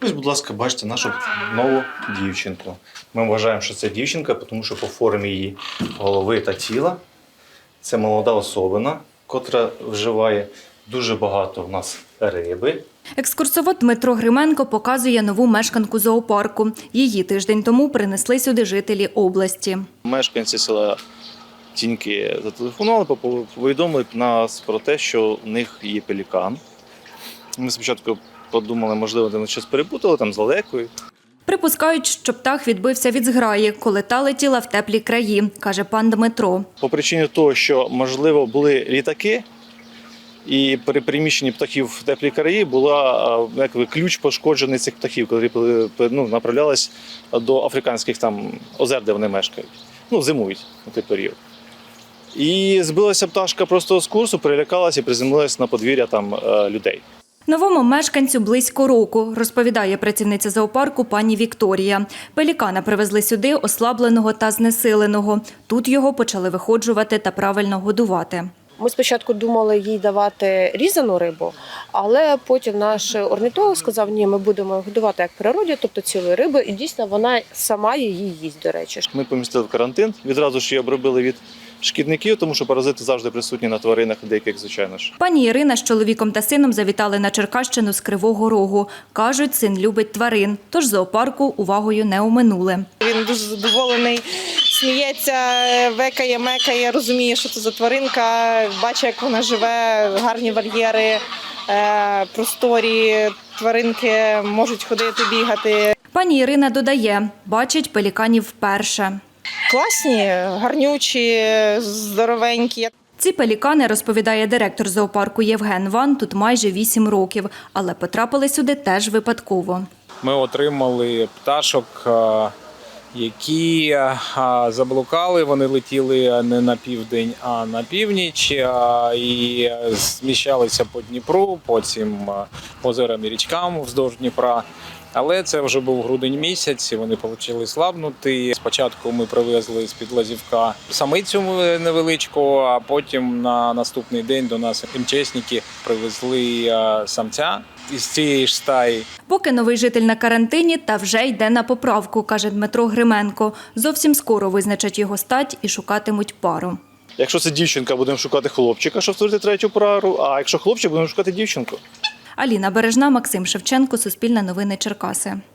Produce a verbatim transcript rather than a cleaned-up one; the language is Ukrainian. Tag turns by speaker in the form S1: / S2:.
S1: Ось, будь ласка, бачите нашу нову дівчинку. Ми вважаємо, що це дівчинка, тому що по формі її голови та тіла це молода особина, котра вживає дуже багато в нас риби.
S2: Екскурсовод Дмитро Грименко показує нову мешканку зоопарку. Її тиждень тому принесли сюди жителі області.
S1: Мешканці села Тіньки зателефонували, повідомили нас про те, що в них є пелікан. Ми спочатку подумали, можливо, вони щось перепутали там з лелекою.
S2: Припускають, що птах відбився від зграї, коли та летіла в теплі краї, каже пан Дмитро.
S1: По причині того, що, можливо, були літаки, і при переміщенні птахів в теплі краї була якби, ключ пошкоджений цих птахів, коли ну, направлялись до африканських там, озер, де вони мешкають. Ну, зимують у той період. І збилася пташка просто з курсу, перелякалася і приземлилася на подвір'я там людей.
S2: Новому мешканцю близько року, розповідає працівниця зоопарку пані Вікторія. Пелікана привезли сюди ослабленого та знесиленого. Тут його почали виходжувати та правильно годувати.
S3: Ми спочатку думали їй давати різану рибу, але потім наш орнітолог сказав, ні, ми будемо годувати як в природі, тобто цілої риби, і дійсно вона сама її їсть, до речі.
S1: Ми помістили в карантин, відразу ж її обробили від шкідників, тому що паразити завжди присутні на тваринах, деяких, звичайно ж.
S2: Пані Ірина з чоловіком та сином завітали на Черкащину з Кривого Рогу. Кажуть, син любить тварин, тож зоопарку увагою не оминули.
S4: Він дуже задоволений, сміється, векає, мекає, розуміє, що це за тваринка, бачить, як вона живе, гарні вольєри, просторі, тваринки можуть ходити, бігати.
S2: Пані Ірина додає, бачить пеліканів вперше.
S4: Класні, гарнючі, здоровенькі.
S2: Ці пелікани, розповідає директор зоопарку Євген Ван, тут майже вісім років, але потрапили сюди теж випадково.
S5: Ми отримали пташок, які заблукали, вони летіли не на південь, а на північ і зміщалися по Дніпру, потім по озерам і річкам вздовж Дніпра. Але це вже був грудень місяць, і вони почали слабнути. Спочатку ми привезли з-під Лазівка самицю невеличку, а потім на наступний день до нас МЧСники привезли самця із цієї ж стаї.
S2: Поки новий житель на карантині, та вже йде на поправку, каже Дмитро Грименко. Зовсім скоро визначать його стать і шукатимуть пару.
S1: Якщо це дівчинка, будемо шукати хлопчика, щоб створити третю пару, а якщо хлопчик, будемо шукати дівчинку.
S2: Аліна Бережна, Максим Шевченко, Суспільне новини Черкаси.